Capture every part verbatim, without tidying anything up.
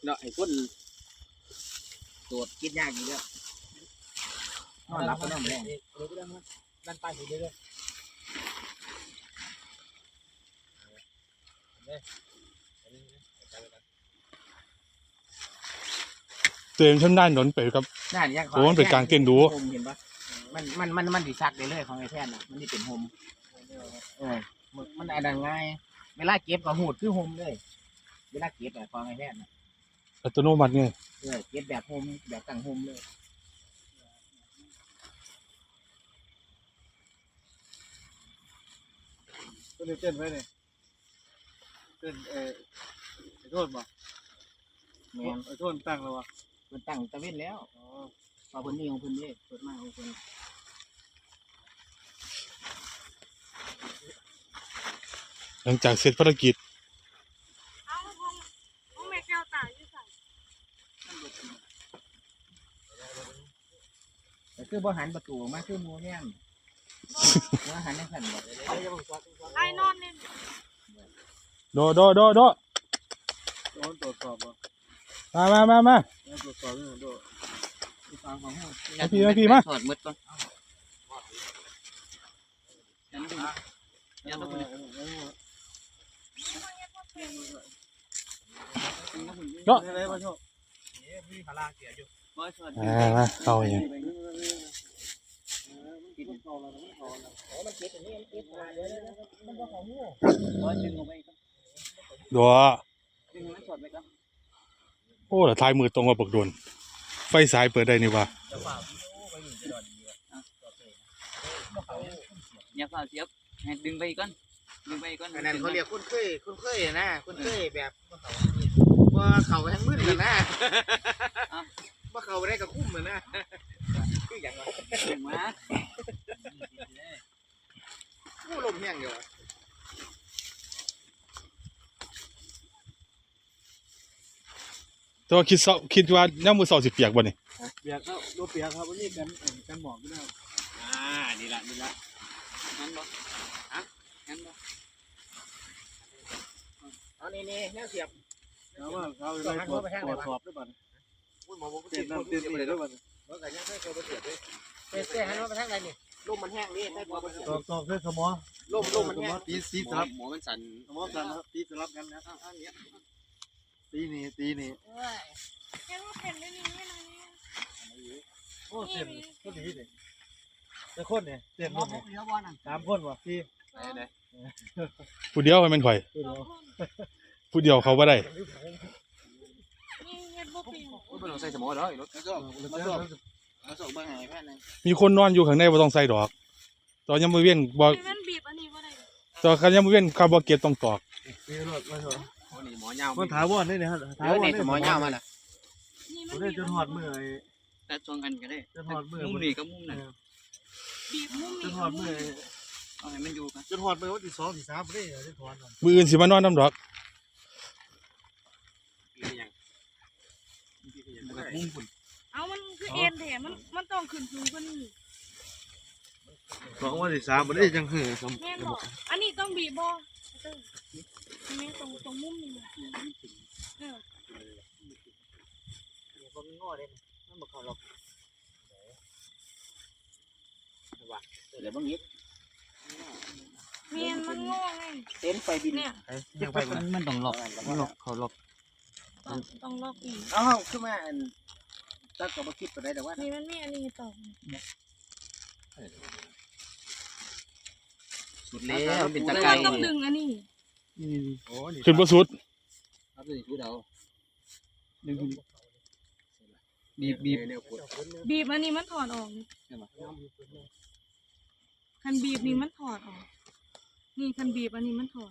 เนาะไอ้คนตรวจคิดยากอยู่แล้วนอนหลับก็นอนแรงด้านใต้อยู่เรื่อยเต็มชั้นด้านหนนไปครับโอ้มันเป็นการเต้นดูเห็นปะมันมันมันมันดีซักได้เลยของไอ้แท่นน่ะมันนี่เป็นโฮมเออมันไอ้ดังง่ายเวลาเก็บก็หูดคือโฮมเลยเวลาเก็บแบบของไอ้แท่นน่ะอัตโนมัติไงเออเก็บแบบโฮมแบบตั้งโฮมเลยก็เลยเต้นไว้เลยเต้นเออไอ้โทษบ่แม่ไอ้โทษตั้งแล้ววะมันตั้งตะเวนแล้วอ๋อพอพื้นที่ของพื้นที่เปิดมาของพื้นหลังจากเสร็จภารกิจเอาของของแม่แก้วตาอยู่ใส่แต่คือบ่หันประตูมาคือมัวแง่มมัวหันในขันบอกไอ้นอนนี่โดโดโดโดโดนตรวจสอบบ่มามามามาตรวจสอบนี่โดฟังของเขาพี่มาพี่มาถอดมืดก่อนยันดูยันดูโดอะไรมาโชว์อ่าเข้าอย่างดัวโอ้แต่ท้ายมือตรงกับปกโดนไฟสายเปิดได้นี่วะอย่าฝ่าเสียบให้ดึงไปก่อนดึงไปก่อนอันนั้นเขาเรียกคุ้นเคยคุ้นเคยนะคุ้นเคยแบบว่าเขาทั้งมืดเลยนะว่าเขาได้กับคุ้มเหมือนนะคืออย่างไรอย่างมาผู้ลมแห้งอยู่แต่ว่าคิดคิดว่าย่ามือสองสิบเปียกบ่นี่เปียกครับรถเปียกครับวันนี้กันกันหมอกไม่ได้อ่านี่ละนี่ละงั้นบ่ฮะงั้นบ่เอานี่นี่แนวเสียบแล้วว่าเขาไปตรวจตรวจสอบด้วยบ้านเต้นน้ำเต้นอะไรด้วยบ้านเมื่อไงยังไม่เคยไปเสียบเลยเต้นเต้นให้มันไปทางไหนนี่ลมมันแห้งนี่ได้ตัวไปตรวจสอบด้วยสมอลมลมมันแห้งตีสีสลับหมอมันสั่นสมอสั่นครับตีสลับกันนะตีนี่ตีนี่เห็นว่าเป็นได้นี่ไม่นานนี่โอ้เต้นก็ดีเลยแต่คนเนี่ยเต้นคนเนี่ยสามคนวะพี่ผู้เดียวมันข่อยผู้เดียวเขาบ่ได้ใส่สมอเลยรถมีคนนอนอยู่ข้างในบ่ต้องใส่ดอกตอนยังมือเวียนบ่ตอนคันยังมือเวียนคาร์บอนเกตต้องตอกมันถาวรได้เนี่ยฮะถาวรนี่หมอยาวมาล่ะผมได้จนหอดมือไอ้แต่ชนกันก็ได้จนหอดมือมุมนี่ก็มุมนั่นบีบมุมจนหอดมือเอาให้มันอยู่กันจนหอดมือวันที่สองที่สามไม่ได้จนถอนมืออื่นสิมานอนน้ำดอกมุมฝุ่นเอามันคือเอ็นแถมมันมันต้องขึ้นสูงกว่านี้สองวันที่สามไม่ได้จังหือสมแม่บอกอันนี้ต้องบีบบอแม่ตรงตรงมุมนี่เออคนงอเลยมันบอกเขาหรอกว่าเดี๋ยวบางทีเมียนมันงอไงเต้นไปบินเนี่ยมันต้องหลอกหลอกเขาหลอกต้องล็อกอีกอ้าวขึ้นมาตั้งกับมาคิดไปได้แต่ว่านี่มันมีอันนี้ต่อสุดแล้วเป็นตะไคร้ต้องดึงอันนี้ขึ้นบ่สุดครับดึงสุดเอาดึงบีบบีบบีบอันนี้มันถอดออกคันบีบนี่มันถอดออกนี่คันบีบอันนี้มันถอด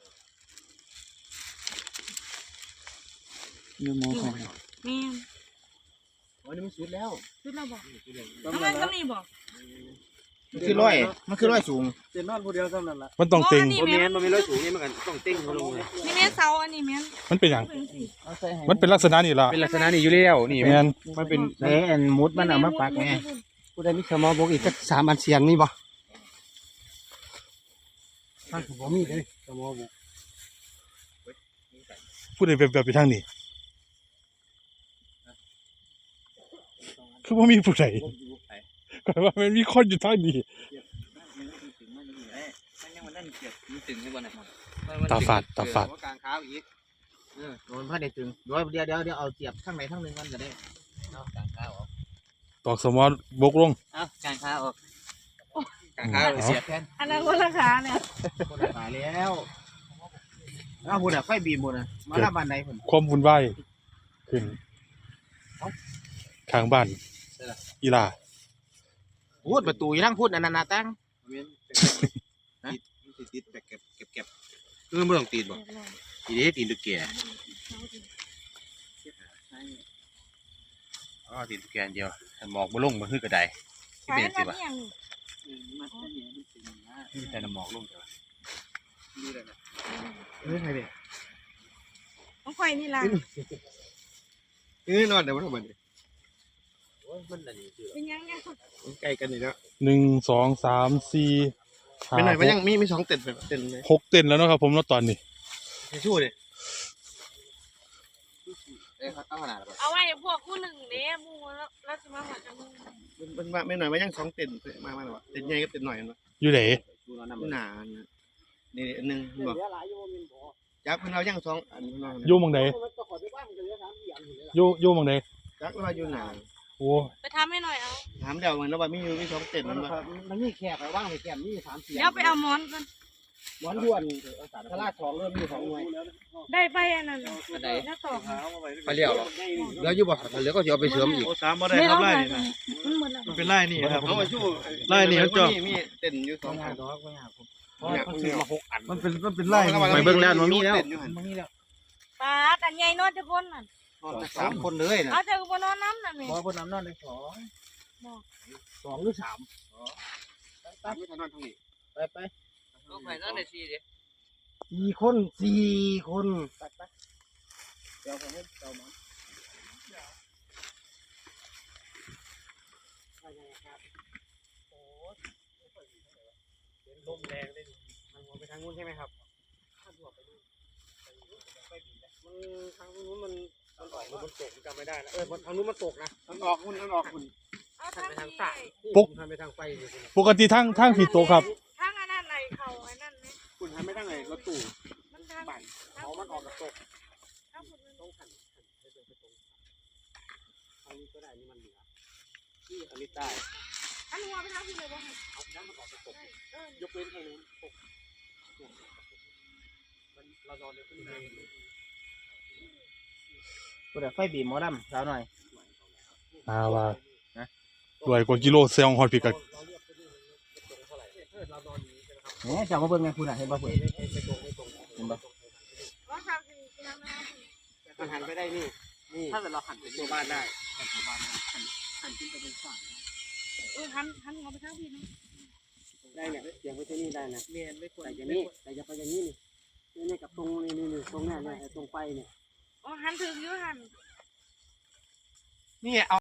เนื้อหมูของแม่วันนี้มันสุดแล้วสุดแล้วบอกทำไมก็นี่บอกมันคือร้อยมันคือร้อยสูงเต้นนอนคนเดียวเท่านั้นแหละมันต้องเต็งมันมีมันมีร้อยสูงนี่มันกันต้องเต็งเขาลงเลยนี่แม่เสาอันนี้แม่มันเป็นอย่างมันเป็นลักษณะนี่ล่ะเป็นลักษณะนี้อยู่แล้วนี่แม่นมันเป็นแหนมุดมันเอามาปักไงผู้ใดมีสมอบอกอีกสักสามอันเสียงนี่บ่ท่านผมมีเลยสมอบอกผู้ใดแบบแบบไปทางนี้คือบ่มีผู้ใดบ่อยู่ไผก็ว่ามันมีคนอยู่ทางนี้ถึงมันนี่แหละมันยังมันนั่นเกียบมันตึงได้บ่น่ะตาฝาดตาฝาดว่ากลางขาวอีกเออโดนพระได้ตึงเดี๋ยวเดี๋ยวเดี๋ยวเดี๋ยวเอาเสียบข้างไหนข้างหนึงมันก็ได้เอากลางขาวออกตอกสมอบกลงเอ้ากางขาออกกลางขาวเสียบแทนอันนั้นคนละขาเนี่ยคนละสายแล้วอ้าวบุญอ่ะไฟบีบบุญอ่ะมาหน้าบ้านไหนพุ่นความวุ่นวายขึ้นข้างบ้านอีหลาพูดประตูอยู่ทั้งพูดอันนั้นน่ะตั้งฮะติดติดแบบเก็บเก็บเก็บเออไม่ต้องตีนบ่ตีนี้ตีนตุ๊กแกอ๋อตีนตุ๊กแกเดียวหมอกบ่ลงบ่คือกระไดที่ขายเป็นมัสินบ่ยังมันก็เนี่ยมันตึงนะที่แต่หมอกลงจ้ะนี่แหละเออใครเด้ต้องข่อยนี่ล่ะเออนอนเดี๋ยวมันทำมันโอ้ยมันอันนี้คือเป็นยังไงใกล้กันนี่แล้วหนึ่งสองสามสี่ห้าไม่หน่อยหมันกยังมีมีสองเต็นแบบเต็นเลยหกเต้นแล้วเนาะครับผมเนาะตอนนี้ทิชชู่ดิเอ้ยเอาขนาดแบบเอาไว้พวกคู่หนึ่งเด้มูแล้วแล้วจะมาหัวจังมันมันไม่หน่อยมันยังสองเต็นมามาหน่อยเต็นใหญ่ก็เต็นหน่อยนะอยู่ไหนหนานี่อันหนึ่งบอกจักเพิ่นเอายังสองอันนอยู่หมังใดอยู่อยู่หมังใดจักว่าอยู่หนาโอ้ไปทำให้หน่อยเอาถามเดี๋ยวมันแล้วว่ามีอยู่มีสองเต็นมันบ่มันมีแขกไปว่างไปแก้มมีสามเสียงเดี๋ยวไปเอาหมอนกันหมอนด่วนทลาดสองเริ่มมีสองหน่วยได้ไปอันนั้นก็ได้แล้วต่อไปเลี้ยวหรอแล้วอยู่บ่แล้วก็สิเอาไปเสริมอีกโอ้สามบ่ได้ไม่ครัเอาบไปไล่นี่นะมันหมดแล้วมันเป็นไล่นี่ครับเอามาชู้ไล่นี่มันจ่อมีเต็นอยู่สองอันมันซื้อมาหกอันมันเป็นมันเป็นไล่ไปเบิ่งแล้วมันมีแล้วปาดอันใหญ่นอนจะพ้นน่ะสามคนเลยนะเอาเจอกูนอนน้ำน่ะแม่บ่บนน้ำนอนได้สองสองหรือสามตามไม่ทันนอนทางนี้ไปไปก็ไปนั่นได้สิเด้สี่คนสี่คนไปไปเดี๋ยวผมให้เจ้ามันลมแรงเลยมันหัวไปทางนู้นใช่ไหมครับมันทางนู้นมันมันออกมันตกจำไม่ได้แล้วเออทางนู้นมันตกนะมันออกคุณมันออกคุณเอาทางนี้ปุ๊บทำไปทางไฟอยู่คุณปกติทางทางผิดโตะครับทางอันนั้นไหนเขาอันนั้นไหมคุณทำไม่ทางไหนรถตู้มันทางบั่นเขามันออกกับตกทางผมมันต้องหันหันไปตรงไปตรงทางนี้ก็ได้นี่มันเหนือที่อันนี้ใต้อันหัวไปทางที่เลยบ่ค่ะเอาน้ำมันออกกับตกเออยกเว้นทางนู้นตกมันเรานอนในที่นี้กูเดี๋ยวไฟบีบหมอดำสาวหน่อยอาว่ารวยกว่ากิโลเซลฮอดพิกัดเนี่ยจะมาเบิ่งไงคุณอ่ะเห็นป่ะคุณเห็นป่ะว่าทางที่ที่ทางนั้นมันหันไปได้นี่นี่ถ้าเกิดเราหันไปตัวบ้านได้หันตัวบ้านได้หันหันขึ้นไปเป็นฝั่งเออหันหันหัวไปทางที่นะได้เนี่ยเสียงไปที่นี่ได้นะเมียนไม่ควรแต่อย่างนี้แต่จะไปอย่างนี้นี่นี่กับตรงนี่นี่ตรงนี้เนี่ยตรงไฟเนี่ยอ๋อหันถึงอยู่หันนี่เอา